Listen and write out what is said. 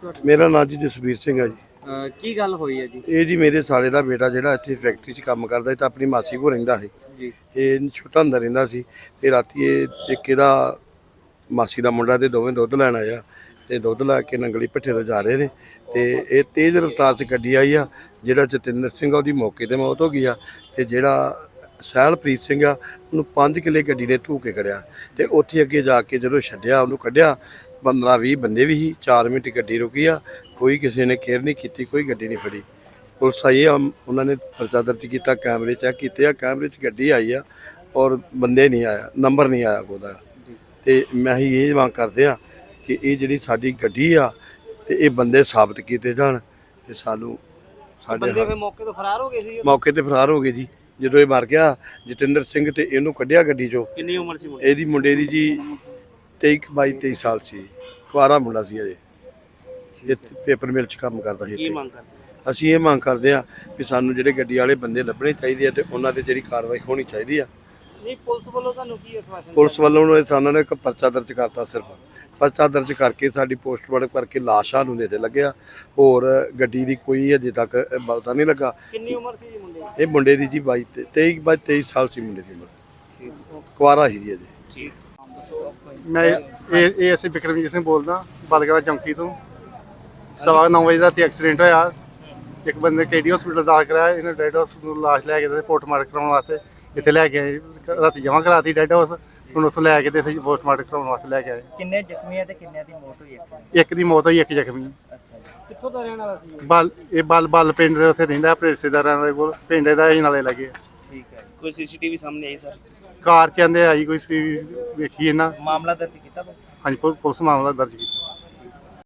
ਤੁਹਾਡਾ? ਮੇਰਾ ਨਾਂ ਜੀ ਜਸਵੀਰ ਸਿੰਘ ਹੈ ਜੀ। ਕੀ ਗੱਲ ਹੋਈ ਹੈ ਜੀ? ਇਹ ਜੀ ਮੇਰੇ ਸਾਲੇ ਦਾ ਬੇਟਾ ਜਿਹੜਾ ਇੱਥੇ ਫੈਕਟਰੀ 'ਚ ਕੰਮ ਕਰਦਾ ਸੀ ਤਾਂ ਆਪਣੀ ਮਾਸੀ ਕੋਲ ਰਹਿੰਦਾ ਸੀ। ਜੀ ਇਹ ਛੋਟਾ ਹੁੰਦਾ ਰਹਿੰਦਾ ਸੀ ਤੇ ਰਾਤੀ ਇਹ ਇੱਕ ਇਹਦਾ ਮਾਸੀ ਦਾ ਮੁੰਡਾ ਤੇ ਦੋਵੇਂ ਦੁੱਧ ਲੈਣ ਆਇਆ ਤੇ ਦੁੱਧ ਲੈ ਕੇ ਨੰਗਲੀ ਭੱਠੇ ਤੋਂ ਜਾ ਰਹੇ ਨੇ ਤੇ ਇਹ ਤੇਜ਼ ਰਫ਼ਤਾਰ 'ਚ ਗੱਡੀ ਆਈ ਆ। ਜਿਹੜਾ ਜਤਿੰਦਰ ਸਿੰਘ ਆ ਉਹਦੀ ਮੌਕੇ ਤੇ ਮੌਤ ਹੋ ਗਈ ਆ ਤੇ ਜਿਹੜਾ ਸਹਿਲਪ੍ਰੀਤ ਸਿੰਘ ਆ ਉਹਨੂੰ 5 ਕਿੱਲੇ ਗੱਡੀ ਨੇ ਧੂ ਕੇ ਖੜਿਆ ਤੇ ਉੱਥੇ ਅੱਗੇ ਜਾ ਕੇ ਜਦੋਂ ਛੱਡਿਆ ਉਹਨੂੰ ਕੱਢਿਆ 15-20 ਬੰਦੇ ਵੀ ਸੀ। 4 ਮਿੰਟ ਗੱਡੀ ਰੁਕੀ ਆ, ਕੋਈ ਕਿਸੇ ਨੇ ਕੇਅਰ ਨਹੀਂ ਕੀਤੀ, ਕੋਈ ਗੱਡੀ ਨਹੀਂ ਫੜੀ। ਪੁਲਿਸ ਆਈ ਆ, ਉਹਨਾਂ ਨੇ ਪਰਚਾ ਦਰਜ ਕੀਤਾ, ਕੈਮਰੇ ਚੈੱਕ ਕੀਤੇ ਆ, ਕੈਮਰੇ 'ਚ ਗੱਡੀ ਆਈ ਆ ਔਰ ਬੰਦੇ ਨਹੀਂ ਆਇਆ, ਨੰਬਰ ਨਹੀਂ ਆਇਆ ਉਹਦਾ। ਤੇ ਮੈਂ ਹੀ ਇਹ ਮੰਗ ਕਰਦੇ ਆ ਕਿ ਇਹ ਜਿਹੜੀ ਸਾਡੀ ਗੱਡੀ ਆ ਤੇ ਇਹ ਬੰਦੇ ਸਾਬਤ ਕੀਤੇ ਜਾਣ ਤੇ ਸਾਨੂੰ ਸਾਡੇ ਬੰਦੇ ਫਿਰ ਮੌਕੇ ਤੋਂ ਫਰਾਰ ਹੋ ਗਏ ਸੀ? ਮੌਕੇ ਤੇ ਫਰਾਰ ਹੋ ਗਏ ਜੀ। ਜਦੋਂ ਇਹ ਮਰ ਗਿਆ ਜਤਿੰਦਰ ਸਿੰਘ ਤੇ ਇਹਨੂੰ ਕੱਢਿਆ ਗੱਡੀ 'ਚੋਂ। ਕਿੰਨੀ ਉਮਰ ਸੀ ਮੁੰਡੇ ਇਹਦੀ ਮੁੰਡੇ ਦੀ ਜੀ 22-23 ਸਾਲ ਸੀ, ਕੁਆਰਾ ਮੁੰਡਾ ਸੀ ਅਜੇ। ਇਹ ਪੇਪਰ ਮਿਲ 'ਚ ਕੰਮ ਕਰਦਾ ਸੀ। ਕੀ ਇੱਥੇ ਮੰਗ ਕਰਦੇ? ਅਸੀਂ ਇਹ ਮੰਗ ਕਰਦੇ ਆ ਕਿ ਸਾਨੂੰ ਜਿਹੜੇ ਗੱਡੀ ਵਾਲੇ ਬੰਦੇ ਲੱਭਣੇ ਚਾਹੀਦੇ ਆ ਤੇ ਉਹਨਾਂ ਤੇ ਜਿਹੜੀ ਕਾਰਵਾਈ ਹੋਣੀ ਚਾਹੀਦੀ ਆ। ਨਹੀਂ, ਪੁਲਿਸ ਵੱਲੋਂ ਤੁਹਾਨੂੰ ਕੀ ਆਸ਼ਵਾਸਨ? ਪੁਲਿਸ ਵੱਲੋਂ ਸਾਨੂੰ ਨੇ ਇੱਕ ਪਰਚਾ ਦਰਜ ਕਰਤਾ, ਸਿਰਫ ਪਰਚਾ ਦਰਜ ਕਰਕੇ ਸਾਡੀ ਪੋਸਟਮਾਰਟਮ ਕਰਕੇ ਲਾਸ਼ਾਂ ਨੂੰ ਨੇੜੇ ਲੱਗਿਆ। ਹੋਰ ਗੱਡੀ ਦੀ ਕੋਈ ਅਜੇ ਤੱਕ ਪਤਾ ਨਹੀਂ ਲੱਗਾ। ਕਿੰਨੀ ਉਮਰ ਸੀ ਜੀ ਮੁੰਡੇ ਦੀ? ਇਹ ਮੁੰਡੇ ਦੀ ਜੀ 23 ਸਾਲ ਸੀ ਮੁੰਡੇ ਦੀ ਉਮਰ, ਕੁਆਰਾ ਹੀ ਜੀ ਅਜੇ। ਠੀਕ। ਮੈਂ ਇਹ ਅਸੀਂ ਬਿਕਰਮਜੀਤ ਸਿੰਘ ਬੋਲਦਾ ਬਲਗੜਾ ਚੌਂਕੀ ਤੋਂ। 9:15 ਵਜੇ ਰਾਤੀ ਐਕਸੀਡੈਂਟ ਹੋਇਆ। ਇੱਕ ਬੰਦੇ KD ਹਸਪੀਟਲ ਦਾਖਲ ਕਰਾਇਆ, ਇਹਨੇ ਡੈਡ ਹਾਊਸ ਨੂੰ ਲਾਸ਼ ਲੈ ਕੇ ਤੇ ਪੋਸਟਮਾਰਟਮ ਕਰਾਉਣ ਵਾਸਤੇ ਇੱਥੇ ਲੈ ਕੇ ਆਏ। ਰਾਤੀ ਜਮ੍ਹਾਂ ਕਰਾਤੀ ਡੈਡ ਹਾਊਸ, ਹੁਣ ਉੱਥੋਂ ਲੈ ਕੇ ਤੇ ਇੱਥੇ ਪੋਸਟਮਾਰਟਮ ਕਰਾਉਣ ਵਾਸਤੇ ਲੈ ਕੇ ਆਏ। ਕਿੰਨੇ ਜ਼ਖਮੀ ਆ ਤੇ ਕਿੰਨਿਆਂ ਦੀ ਮੌਤ ਹੋਈ? ਇੱਕ ਦੀ ਮੌਤ ਹੋਈ, ਇੱਕ ਜ਼ਖਮੀ। ਅੱਛਾ ਜੀ। ਕਿੱਥੋਂ ਦਾ ਰਹਿਣ ਵਾਲਾ ਸੀ? ਬਲ ਪਿੰਡ ਦੇ ਉੱਥੇ ਰਹਿੰਦਾ, ਆਪਣੇ ਰਿਸ਼ਤੇਦਾਰਾਂ ਦੇ ਕੋਲ। ਪਿੰਡ ਦਾ ਹੀ ਨਾਲੇ ਲੱਗੇ। ਠੀਕ ਹੈ। ਕੋਈ CCTV ਸਾਹਮਣੇ ਆਈ ਸਰ? ਕਾਰ ਚ ਆਂਦੇ ਆਈ ਕੋਈ ਸੀ, ਵੇਖੀ ਇਹਨਾਂ। ਮਾਮਲਾ ਦਰਜ ਕੀਤਾ? ਹਾਂਜੀ, ਪੁਲਿਸ ਮਾਮਲਾ ਦਰਜ ਕੀਤਾ।